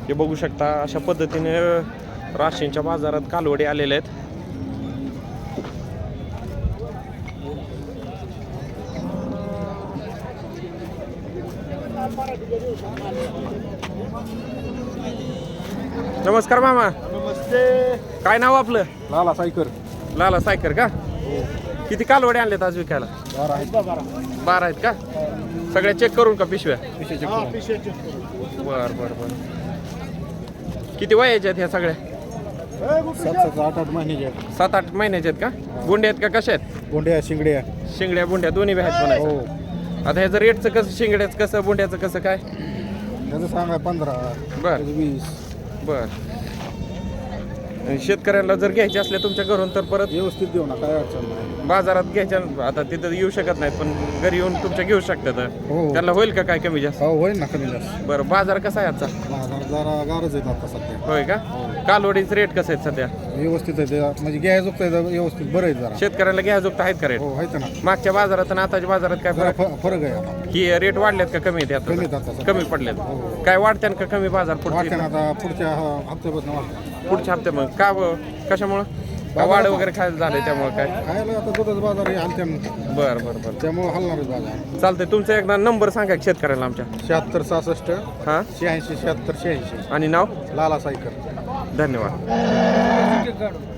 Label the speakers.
Speaker 1: हे बघू शकता अशा पद्धतीने राशींच्या बाजारात कालवडी आलेले आहेत. नमस्कार मामा.
Speaker 2: नमस्ते.
Speaker 1: काय नाव आपलं?
Speaker 2: लाला सायकर.
Speaker 1: लाला सायकर का? किती कालवडे आणलेत आज विकायला? 12 आहेत का? सगळ्या चेक करून का पिशव्या? बर बर बर. किती वयाच्या आहेत ह्या सगळ्या?
Speaker 2: 7-8 महिन्याचे.
Speaker 1: 7-8 महिन्याच्या आहेत का? गुंड्या आहेत का कशा आहेत?
Speaker 2: बोंड्या शिंगड्या.
Speaker 1: शिंगड्या बुंड्या दोन्ही बी आहेत म्हणायचं. आता ह्याचं रेटचं कसं, शिंगड्याचं कसं, बुंड्याचं कसं काय?
Speaker 2: त्याचं सांगा 15.
Speaker 1: बर
Speaker 2: 20.
Speaker 1: बर. शेतकऱ्यांना जर घ्यायचे असले तुमच्या घरून तर परत
Speaker 2: व्यवस्थित देऊ ना, काय अडचण नाही.
Speaker 1: बाजारात घ्यायच्या, आता तिथं येऊ शकत नाहीत पण घरी येऊन तुमच्या घेऊ शकतात.
Speaker 2: हो.
Speaker 1: त्यांना होईल का काय कमी जास्त?
Speaker 2: हो होईल ना, कमी जास्त.
Speaker 1: बरं. बाजार कसा आहे आजचा?
Speaker 2: बाजार जरा गारच आहेत आता सध्या.
Speaker 1: होय का? कालवडीचे रेट कसे आहेत सध्या?
Speaker 2: व्यवस्थित आहे ते, म्हणजे घ्यायचं व्यवस्थित बरं आहे जरा.
Speaker 1: शेतकऱ्याला घ्यायजोगत आहेत का रेट?
Speaker 2: हो आहेत ना.
Speaker 1: मागच्या बाजारात आणि आताच्या बाजारात काय
Speaker 2: जरा
Speaker 1: फरक?
Speaker 2: फरक आहे आता.
Speaker 1: की रेट वाढलेत का कमी आहेत
Speaker 2: कमी आहेत
Speaker 1: आता?
Speaker 2: आता.
Speaker 1: कमी पडलेत.
Speaker 2: हो.
Speaker 1: काय वाढत्यान का कमी बाजार
Speaker 2: वाटतं
Speaker 1: पुढच्या
Speaker 2: ना आता पुढच्या हप्त्यापासून वाटतं.
Speaker 1: पुढच्या हप्त्यात? मग का कशामुळं? का वाढ वगैरे खायला झालंय त्यामुळे काय?
Speaker 2: खायला आता दुधाचा बाजार आहे हलत्या,
Speaker 1: बरं बरं बरं.
Speaker 2: त्यामुळे हलणारच बाजार.
Speaker 1: चालतंय. तुमचा एकदा नंबर सांगा की शेतकऱ्याला आमच्या.
Speaker 2: 76-66
Speaker 1: हां
Speaker 2: 86-76-86.
Speaker 1: आणि नाव?
Speaker 2: लाला सायकर.
Speaker 1: धन्यवाद.